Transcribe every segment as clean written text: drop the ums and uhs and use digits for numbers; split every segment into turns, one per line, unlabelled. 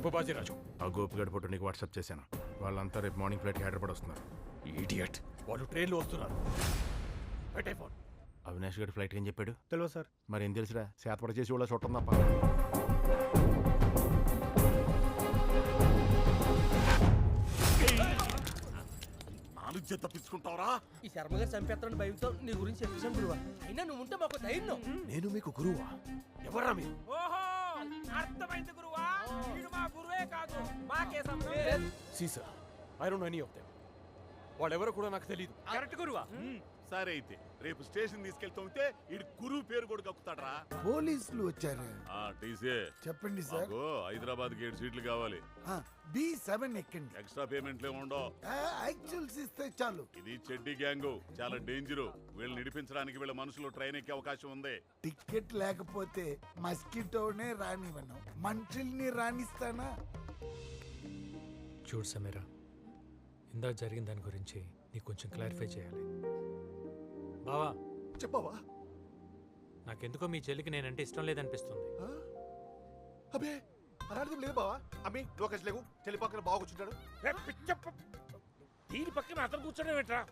పట్టుకో బాజీరాజు.
ఆ గోపిగడ్ ఫోటో నీకు వాట్సాప్ చేశాను. వాళ్ళంతా రేపు మార్నింగ్ ఫ్లైట్కి హైదరాబాద్ వస్తున్నారు.
ఈడియట్, వాళ్ళు ట్రైన్లో వస్తున్నారు. పెట్టే ఫోన్.
అవినాష్ గడి ఫ్లైట్ ఏం చెప్పాడు?
తెలియదు సార్.
మరి ఏం తెలుసురా, శాతపడ చేసి వాళ్ళ చూడటం తప్ప.
నాలుగు తప్పించుకుంటావరా?
ఈ శర్మ గారు చంపేస్తారని భయంతో నీ గురించి చెప్పేశాం గురువా. అయినా నువ్వు ఉంటే మాకు ధైర్యం.
నేను మీకు గురువా? ఎవరా మీరు?
ఓహో, అర్థమైంది గురువా. వీడు మా గురువే కాదు, మాకే సంబంధం.
Caesar, I don't know any of them. వాళ్ళెవరో కూడా నాకు తెలియదు.
కరెక్ట్ గురువా.
సరే అయితే రేపు స్టేషన్ తీసుకెళ్తుంటే ఇడు గురువు పేరు కూడా కక్కుతాడరా.
పోలీసులు వచ్చారు.
టీసీ
చెప్పండి సార్.
హైదరాబాద్ కి 7 సీట్లు కావాలి.
B7 ఎక్కండి.
ఎక్స్ట్రా పేమెంట్లే ఉండవు.
యాక్చువల్స్ ఇస్తే చాలు.
ఇది చెడ్డి గ్యాంగ్, చాలా డేంజరు. వీళ్ళు నిడిపించడానికి వీళ్ళ మనుషులు ట్రైన్ ఎక్కే అవకాశం ఉంది.
టికెట్ లేకపోతే మస్కిటోనే రానివ్వను, మనుషుల్ని రాణిస్తానా?
చూడు సమీరా, ఇందాక జరిగిన దాని గురించి నీకు కొంచెం క్లారిఫై చేయాలి. బావా
చెప్పవా?
నాకెందుకో మీ చెల్లికి నేనంటే ఇష్టం లేదనిపిస్తుంది.
అబే అలాంటిది లేదు బావా. అమ్మి నువ్వు అక్కడ లేవు, చెల్లి పక్కన బాగా కూర్చుంటాడు.
దీని పక్కన అతను కూర్చోడం ఏంట్రా?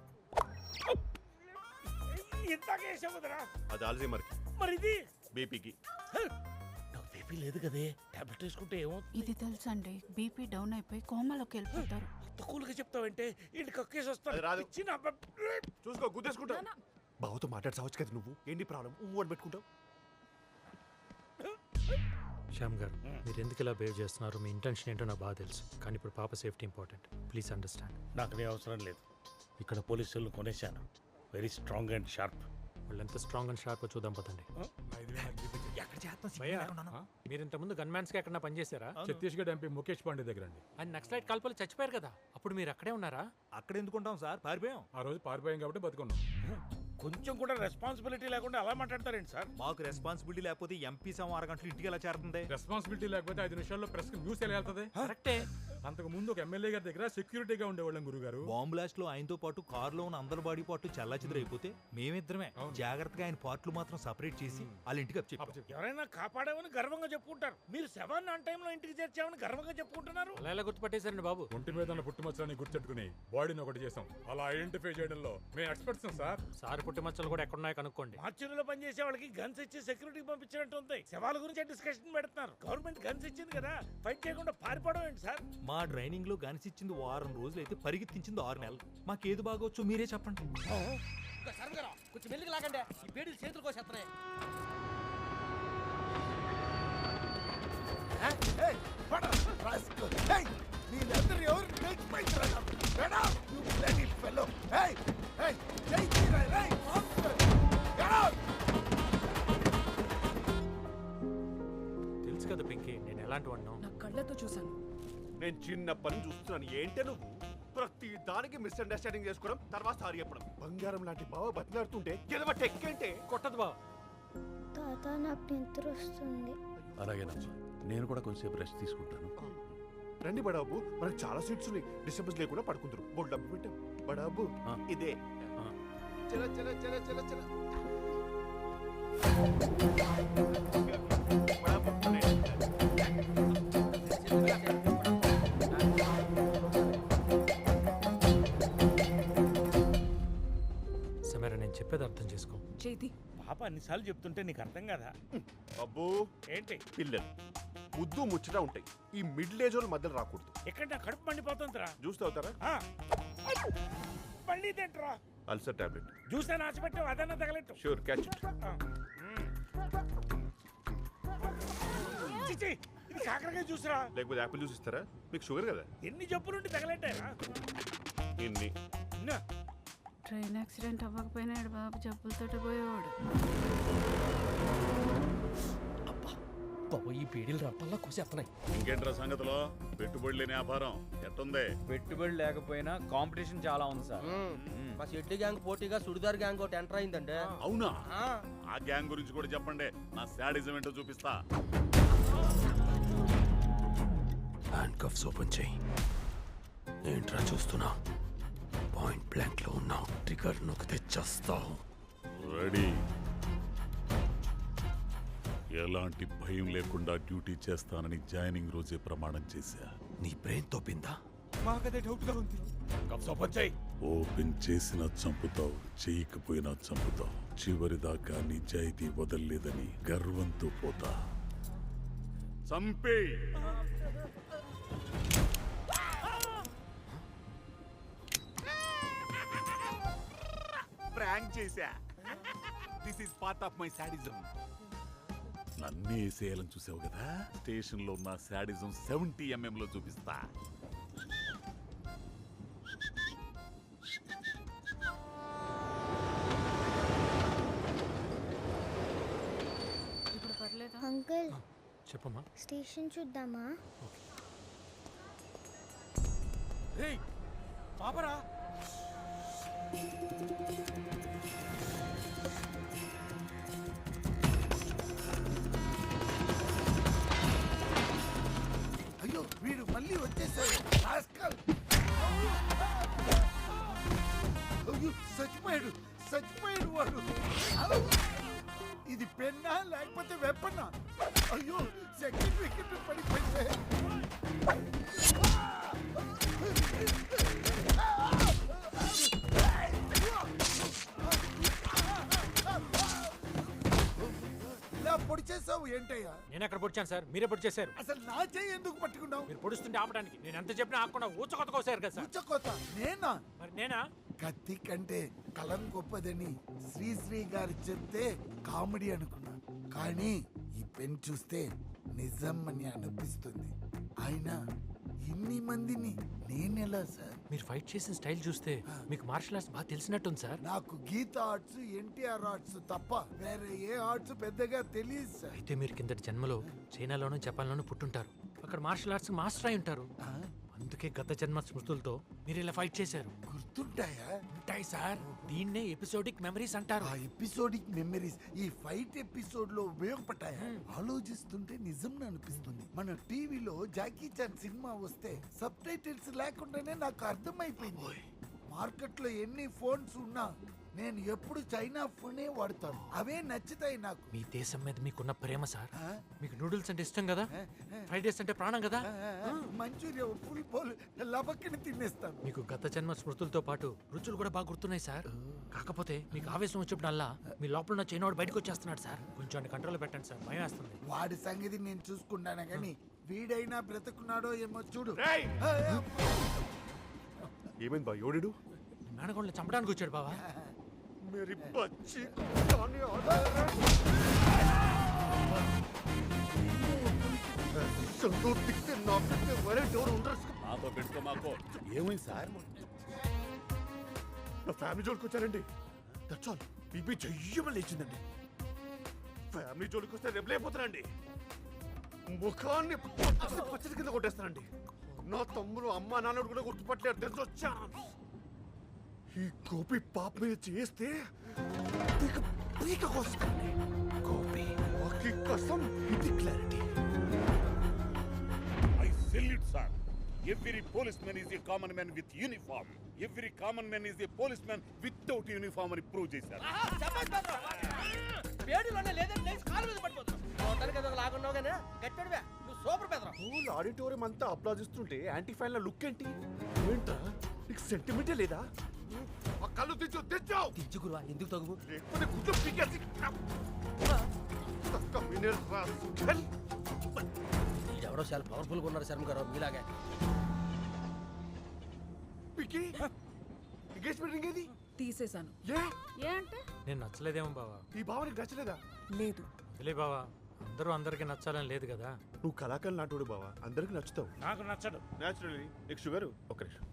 ఇంతకే వేసావుదరా.
అది ఆల్జీమర్ కి,
మరి ఇది
బీపీకి.
నాకు బీపీ లేదు కదే, టాబ్లెట్ వేసుకుంటే ఏమో.
ఇది తెలుసండి, బీపీ డౌన్ అయిపోయి కోమాలోకి వెళ్ళిపోతారు.
తక్కువగా చెప్తావంటే ఇంటి కక్కేసి
అది రాదు.
వస్తాను. చిన్న
చూసుకో, గుద్దేసుకుంటా. బావతో మాట్లాడసావచ్చు కదా నువ్వు. ఏంటి ప్రాబ్లం? అని పెట్టుకుంటావు.
శ్యామ్ గారు, మీరు ఎందుకు ఇలా బిహేవ్ చేస్తున్నారు, మీ ఇంటెన్షన్ ఏంటో నాకు బాగా తెలుసు. కానీ ఇప్పుడు పాప సేఫ్టీ ఇంపార్టెంట్. Please understand.
నాకు నీ అవసరం లేదు. ఇక్కడ పోలీసులు కొనేశాను. Very strong and sharp.
వాళ్ళు ఎంత స్ట్రాంగ్ అండ్ షార్ప్ చూద్దాం పదండి. మీరు ఇంత ముందు గన్మ్యాన్స్ కి ఎక్కడ పనిచేశారా?
ఛత్తీస్గఢ్ ఎంపీ ముఖేష్ పాండే దగ్గర అండి.
ఆయన నక్సలైట్ కాల్పలు చచ్చిపోయారు కదా, అప్పుడు మీరు అక్కడే ఉన్నారా?
అక్కడ ఎందుకుంటాం సార్, పారిపోయాం. ఆ రోజు పారిపోయాం కాబట్టి బతుకున్నాం.
కొంచెం కూడా రెస్పాన్సిబిలిటీ లేకుండా అలా మాట్లాడతారేంటి సార్?
మాకు రెస్పాన్సిబిలిటీ లేకపోతే ఎంపీ సమ 6 గంటలు ఇంటికి ఎలా చేరుతుంది?
రెస్పాన్సిబిలిటీ లేకపోతే 5 నిమిషాల్లో ప్రెస్ న్యూస్ ఎలా వెళ్తుంది?
కరెక్టే.
అంతకు ముందు ఒక ఎమ్మెల్యే గారి దగ్గర సెక్యూరిటీగా ఉండేవాళ్ళం గురుగారు.
బాంబ్ బ్లాస్ట్ లో ఆయనతో పాటు కారులో ఉన్న అందరి బాడీ పార్ట్ చెల్లాచెదురైపోతే మేమిద్దరమే జాగ్రత్తగా ఆయన పార్ట్లు మాత్రం సెపరేట్ చేసి వాళ్ళ ఇంటికి అప్పచెప్పాం.
ఎవరైనా కాపాడామని గర్వంగా చెప్పుకుంటారు. మీరు శవాన్ని ఆన్ టైంలో ఇంటికి చేర్చామని గర్వంగా చెప్పుకుంటున్నారు.
అలా ఎలా గుర్తుపట్టేశారండి బాబు?
ఒంటి మీద ఉన్న పుట్టుమచ్చలని గుర్తెట్టుకుని బాడీని ఒకటి చేసాం. అలా ఐడెంటిఫై చేయడంలో మేము ఎక్స్పర్ట్స్ సార్.
సార్ పుట్టుమచ్చలు కూడా ఎక్కడున్నాయో కనుక్కోండి.
మార్చురీలో పనిచేసే వాళ్ళకి గన్స్ ఇచ్చి సెక్యూరిటీకి పంపించినట్టు ఉంది. శవాల గురించి డిస్కషన్ పెడుతున్నారు. గవర్నమెంట్ గన్స్ ఇచ్చింది కదా, ఫైట్ చేయకుండా పారిపోవడం ఏంటి సార్?
మా ట్రైనింగ్ లో గన్స్ ఇచ్చింది 6 రోజులు అయితే పరిగెత్తించింది 6 నెలలు. మాకేది బాగోచ్చో మీరే చెప్పండి.
శర్మ గారు కొంచెం మెల్లికి లాగండి, ఈ పేడీలు చేతులు కోసేస్తున్నాయి.
మీరందరూ ఎవరు
తెలుసు కదా పింకీ, నేను ఎలాంటి వాడినో.
నా కళ్ళతో చూశాను.
నేను చిన్నప్పటి నుంచి చూస్తున్నాను. ఏంటే నువ్వు ప్రతి దానికి మిస్అండర్స్టాండింగ్ చేసుకోవడం, తర్వాత సారీ చెప్పడం. బంగారం లాంటి బావ బతిలాడుతుంటే ఎదవ టెక్కేంటే
కొట్టదు బావ.
తాత నాకు నిద్ర వస్తుంది.
అలాగేనమ్మా, నేను కూడా కొంచెంసేపు రెస్ట్ తీసుకుంటాను. రండి బడాబు, మనకు చాలా సీట్స్ ఉన్నాయి. డిస్టర్బెన్స్ లేకుండా పడుకుంటారు. బోల్ డబ్బు పెట్టాం బడాబు. ఇదే చల చల చల చల చల.
సమీరా, నేను చెప్పేది అర్థం చేసుకో.
చేతి
పాప అన్నిసార్లు చెప్తుంటే నీకు అర్థం కదా?
అబ్బో
ఏంటి
పిల్లలు ముద్దు ముచ్చట ఉంటాయి. ఈ మిడిల్ ఏజ్ వాళ్ళ మధ్యలో రాకూడదు.
ఎక్కడ నా కడుపు మండిపోతుందిరా.
జ్యూస్ తాగుతారా?
మళ్ళీ తింటరా.
Ulcer tablet.
జ్యూస్ అని ఆశపెట్టావు, అదన్నా తగలెట్టు.
Sure, catch it.
చిచి, ఇది కాకరకాయ జ్యూస్రా.
లేకపోతే యాపిల్ జ్యూస్ ఇస్తారా? మీకు షుగర్ కదా.
ఎన్ని జబ్బులుండి తగలెట్టారా?
ఇన్ని.
ట్రైన్ యాక్సిడెంట్ అవ్వకపోయినా బాబు జబ్బులతో పోయేవాడు.
ఈ పేడీలు రప్పల్లా కోసేస్తున్నాయి.
ఇంకేంట్రా సంగతిలో? పెట్టుబడి లేని వ్యాపారం ఎట్టుంది?
పెట్టుబడి లేకపోయినా కాంపిటీషన్ చాలా ఉంది సార్.
మా షెడ్డి గ్యాంగ్ పోటీగా సుడిదార్ గ్యాంగ్ ఒకటి ఎంటర్ అయిందండి.
అవునా? ఆ గ్యాంగ్ గురించి కూడా చెప్పండి, నా శాడిజం ఏంటో చూపిస్తా.
హ్యాండ్ కఫ్స్ ఓపెన్ చేయి. ఏంట్రా చూస్తున్నా? పాయింట్ బ్లాంక్ లో ఉన్నావు. ట్రిగర్ నొక్కితే చస్తావు.
రెడీ. ఎలాంటి భయం లేకుండా డ్యూటీ చేస్తానని జాయినింగ్ రోజే ప్రమాణం చేశా.
నీ బ్రెయిన్ తోపిందా?
మాకదే డౌట్ గా ఉంది.
ఓపెన్ చేసినా చంపుతావు, చేయకపోయినా చంపుతావు. చివరిదాకా నిజాయితీ వదల్లేదని గర్వంతో పోతా. చంపే.
ప్రాంక్ చేశా. This is part of my sadism.
నన్నే వేసేయాలని చూసావు కదా, స్టేషన్ లో ఉన్న శాడిజం 70 mm లో చూపిస్తా.
ఇప్పుడు పర్లేదా?
అంకుల్
చెప్పమ్మా.
స్టేషన్ చూద్దామా?
రేయ్ పాపరా.
అయ్యో వీడు మళ్ళీ వచ్చేసాడు. రాస్కల్. అయ్యో చచ్చిపోయాడు వాడు. ఇది పెన్నా లేకపోతే వెపన్నా? అయ్యో సెకండ్ వికెట్ పడిపోయింది. ఇలా పొడి చేసావు ఏంటయ్యా?
నేను ఎక్కడ పొడిచాను సార్? మీరే పొడి చేశారు.
అసలు నా చేయి ఎందుకు పట్టుకున్నావు?
మీరు పొడుస్తుంటే ఆపడానికి నేను ఎంత చెప్పినా ఆకుండా ఊచకొత్త కోసారు కదా సార్.
ఉచ్చకోత నేనా?
మరి నేనా?
కత్తి కంటే కలం గొప్పదని శ్రీశ్రీ గారు చెప్తే కామెడీ అనుకున్నా, కానీ ఈ పెన్ చూస్తే నిజం అని అనిపిస్తుంది. అయినా ఇన్ని మందిని నేనెలా సార్?
మీరు ఫైట్ చేసిన స్టైల్ చూస్తే మీకు మార్షల్ ఆర్ట్స్ బాగా తెలిసినట్టుంది సార్.
నాకు గీత ఆర్ట్స్, ఎన్టీఆర్ ఆర్ట్స్ తప్ప వేరే ఏ ఆర్ట్స్ పెద్దగా తెలియదు సార్.
అయితే మీరు కిందటి జన్మలో చైనాలోనూ జపాన్లోనూ పుట్టుంటారు. అక్కడ మార్షల్ ఆర్ట్స్ మాస్టర్ అయి ఉంటారు. అందుకే గత జన్మ స్మృతులతో మీరు ఇలా ఫైట్ చేశారు.
గుర్తుంటాయా?
ఉంటాయి సార్. దీన్నే ఎపిసోడిక్ మెమరీస్ అంటారు.
ఆ ఎపిసోడిక్ మెమరీస్ ఈ ఫైట్ ఎపిసోడ్ లో ఉపయోగపడ్డాయా? ఆలోచిస్తుంటే నిజం అనిపిస్తుంది. మన టీవీలో జాకీ చాన్ సినిమా వస్తే సబ్ టైటిల్స్ లేకుండానే నాకు అర్థమైపోయింది. మార్కెట్ లో ఎన్ని ఫోన్స్ ఉన్నా నేను ఎప్పుడు చైనా ఫోనే వాడతాను. అవే నచ్చుతాయి నాకు.
మీ దేశం మీద మీకున్న ప్రేమ సార్. మీకు నూడిల్స్ అంటే ఇష్టం కదా, ఫ్రైడ్ రైస్ అంటే ప్రాణం కదా.
మంచూరియా ఫుల్ బౌల్ లబక్కని తినేస్తాను.
మీకు గత జన్మ స్మృతులతో పాటు రుచులు కూడా బాగా గుర్తున్నాయి సార్. కాకపోతే మీకు ఆవేశం వచ్చినప్పుడల్లా మీ లోపల ఉన్న చైనాడు బయటకు వచ్చేస్తున్నాడు సార్. కొంచెం కంట్రోల్ పెట్టండి సార్, భయం వేస్తుంది.
వాడి సంగతి నేను చూసుకున్నాను కానీ వీడైనా బ్రతుకున్నాడో ఏమో చూడు.
ఏమైంది బా? ఎవడు?
మేనగోళ్ళని చంపడానికి వచ్చాడు బావా.
मेरी बच्ची
నాతో పెట్టుకో మాకో. ఏమైంది సార్?
నా ఫ్యామిలీ జోలికి వచ్చారండి. That's all. బీపీ చెయ్యమని లేచిందండి. ఫ్యామిలీ జోలికి వస్తే రెబలైపోతానండి. ముఖాన్ని పచ్చడి కింద కొట్టేస్తానండి. నా తమ్ముడు అమ్మ నాన్నడు కూడా గుర్తుపట్టలేరు. తెలిసి వచ్చాను. ఈ గోపి పాప మీద చేస్తే పీక కోస్తానండి. గోపి వాకి కసం ఇది clarity.
I salute, sir. Every policeman is a common man with uniform. Every common man is a policeman without uniform అని ప్రూవ్ చేశారు.
పేడులోనే లేదని లేచి కాలు మీద పడిపోతున్నావు. చూడడానికి ఏదో లాగున్నావు కానీ గట్టాడువే. నువ్వు సూపర్ పెదరా.
స్కూల్ ఆడిటోరియం అంతా అప్లాజిస్తుంటే యాంటీ ఫ్యాన్ లుక్ ఏంటి? ఏంట్రా నీకు సెంటిమెంటే లేదా? ఆ కళ్ళు తెచ్చావు.
తెచ్చు గురువా, ఎందుకు తగువు?
లేకపోతే గుడ్లు పీకేసి
ఎవడో చాలా పవర్ఫుల్ గా ఉన్నారు శర్మ గారు మీలాగే.
ఎంగేజ్మెంట్ రింగ్ ఏది?
తీసేశాను. ఏ అంటే?
నేను నచ్చలేదేమో బావా.
ఈ భావనకి నచ్చలేదా?
లేదు.
తెలియ బావా, అందరూ అందరికి నచ్చాలని లేదు కదా.
నువ్వు కళాకారులు నాటోడు బావా, అందరికి నచ్చుతావు.
నాకు నచ్చడు.
నేచురల్లీ. నీకు షుగర్? ఒక నిమిషం.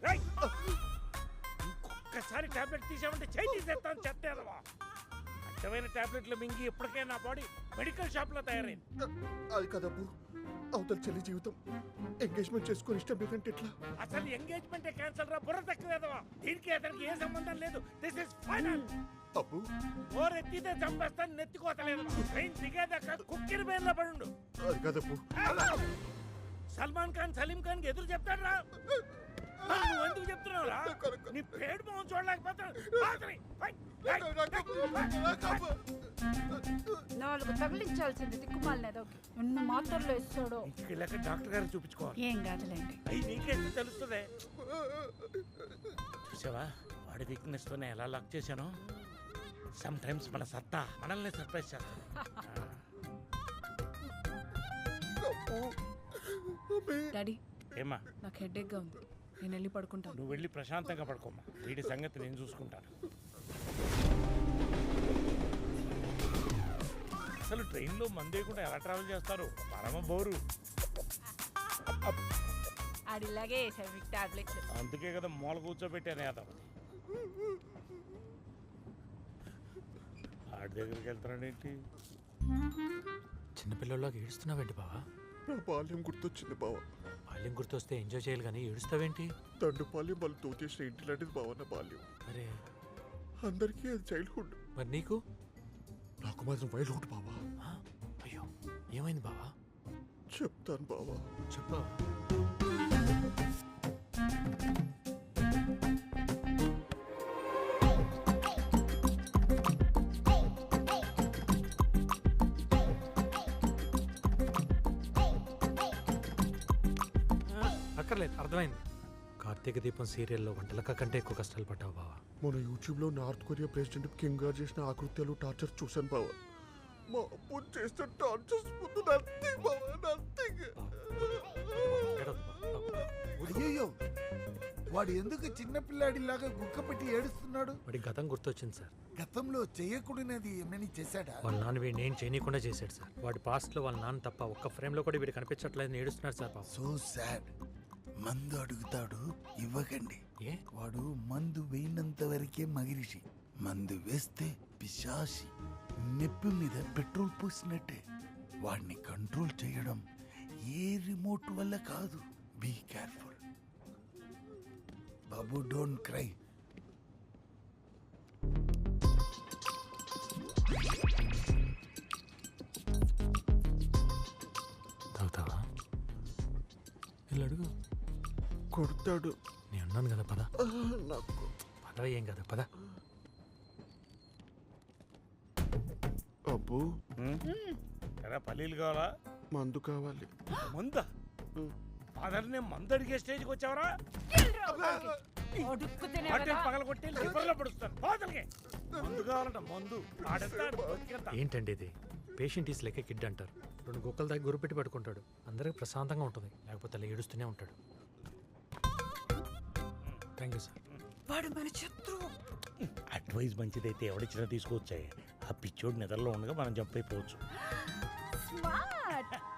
ఒక్కసారి టాబ్లెట్ తీసామంటే చేయి తీసేస్తాను. చెత్తేదవా అడ్డమైన టాబ్లెట్లు మింగి ఇప్పటికే నా బాడీ మెడికల్ షాప్ లో తయారైంది.
అది కదబ్బు, అవతల చెల్లి జీవితం ఎంగేజ్మెంట్ చేసుకొని ఇష్టం లేదంటే ఎట్లా?
అసలు ఎంగేజ్మెంట్ క్యాన్సల్ రా, బుర్ర తక్కువేదవా. దీనికి అతనికి ఏ సంబంధం లేదు. This is final.
అబ్బు
ఓర్ ఎత్తితే చంపేస్తాను, నెత్తికోతలేదు. ట్రైన్ దిగేదాకా కుక్కిరి బయలులో పడుండు.
అది కదబ్బు.
సల్మాన్ ఖాన్ సలీం ఖాన్ కి ఎదురు చెప్తాడు రా. నువ్వు ఎందుకు చెప్తున్నావు రా? నీ పేడు మొహం చూడలేకపోతాడు.
4 నాకు తగిలించాల్సింది దిక్కుమాలినదోకి ఎన్ని మాత్రలు ఇస్తాడో.
ఇంటికి వెళ్ళాక డాక్టర్ గారికి చూపించుకోవాలి.
ఏం కాదులేండి.
అయ్యి నీకేంటి తెలుస్తుంది. చూసావా వాడి వీక్నెస్ తోనే ఎలా లాక్ చేశాను. సమ్ టైమ్స్ మన సత్తా మనల్ని సర్ప్రైజ్ చేస్తాను.
డాడీ
ఏమా
నాకు హెడేక్గా ఉంది, నేను వెళ్ళి పడుకుంటాను.
నువ్వు వెళ్ళి ప్రశాంతంగా పడుకోమ్మా. వీడి సంగతి నేను చూసుకుంటాను. అసలు ట్రైన్లో మందేయకుండా ఎలా ట్రావెల్ చేస్తారు? పరమ బోరు.
ఆడిలాగే వేసాడు మీకు టాబ్లెట్లు.
అందుకే కదా మూల కూర్చోబెట్టాను యాదవ్. ఆడి దగ్గరికి వెళ్తాడేంటి?
చిన్నపిల్లల్లోకి ఏడుస్తున్నావేంటి బావా?
నా బాల్యం గుర్తొచ్చింది బావా.
బాల్యం గుర్తొస్తే ఎంజాయ్ చేయాలి కానీ ఏడుస్తావేంటి?
దండుపాల్యం వాళ్ళు తోచేసిన ఇంటి లాంటిది బావా నా బాల్యం.
అరే
అందరికీ అది చైల్డ్హుడ్,
మరి నీకు?
నాకు మాత్రం వైల్డ్హుడ్ బావా.
అయ్యో ఏమైంది బావా?
చెప్తాను బావా.
చెప్పు. అక్కర్లేదు, అర్థమైంది. కార్తీక దీపం సీరియల్లో వంటలక కంటే ఎక్కువ కష్టాలు పడ్డావు బావా.
మన యూట్యూబ్లో నార్త్ కొరియా ప్రెసిడెంట్ కింగ్ గారు చేసిన ఆకృత్యాలు టార్చర్ చూశాను బావా. మా అప్పు చేసిన టార్చర్స్ ముందు నథింగ్ బావా, నథింగ్.
అయ్యో వాడు ఎందుకు చిన్నపిల్లాడిలాగా గుక్కపెట్టి ఏడుస్తున్నాడు?
వాడి గతం గుర్తొచ్చింది సార్.
గతంలో చేయకూడనిది ఏమని చేశాడా?
వాళ్ళ నాన్న వీడిని ఏం చేయనీయకుండా చేశాడు సార్. వాడి పాస్ట్ లో వాళ్ళ నాన్న తప్ప ఒక్క ఫ్రేమ్ లో కూడా వీడు కనిపించట్లేదు, ఏడుస్తున్నాడు సార్ పాపం.
So sad. మందు అడుగుతాడు, ఇవ్వకండి.
ఏ?
వాడు మందు వేయినంత వరకే మగిరిషి, మందు వేస్తే పిశాసి. నెప్పి మీద పెట్రోల్ పోసినట్టే. వాడిని కంట్రోల్ చేయడం ఏ రిమోట్ వల్ల కాదు. బీ కేర్ఫుల్ బాబు, డోంట్ క్రై.
తాగుతావా? వీళ్ళు అడుగు.
కొడతాడు.
నేను అన్నాను కదా పద.
నాకు
పద, ఏం కదా పద.
అబ్బు
ఎరా పల్లీలు కావాలా?
మందు కావాలి.
మందా? ఫాదర్ని మందు అడిగే స్టేజ్కి వచ్చావరా? పగల కొట్టి లివర్లో పడుస్తాను. ఫాదర్కి మందు కావాలంట, మందు.
ఏంటండి ఇది? పేషెంట్ ఈస్ లెక్క కిడ్ అంటారు. 2 గుక్కల దగ్గర గురిపెట్టి పట్టుకుంటాడు. అందరికి ప్రశాంతంగా ఉంటుంది, లేకపోతే అలా ఏడుస్తూనే ఉంటాడు. Thank you sir.
వాడు మన శత్రువు.
అడ్వైస్ మంచిదైతే ఎవడిచ్చినా తీసుకొచ్చాయి. ఆ పిచ్చోడు నిద్రలో ఉండగా మనం జంప్ అయిపోవచ్చు.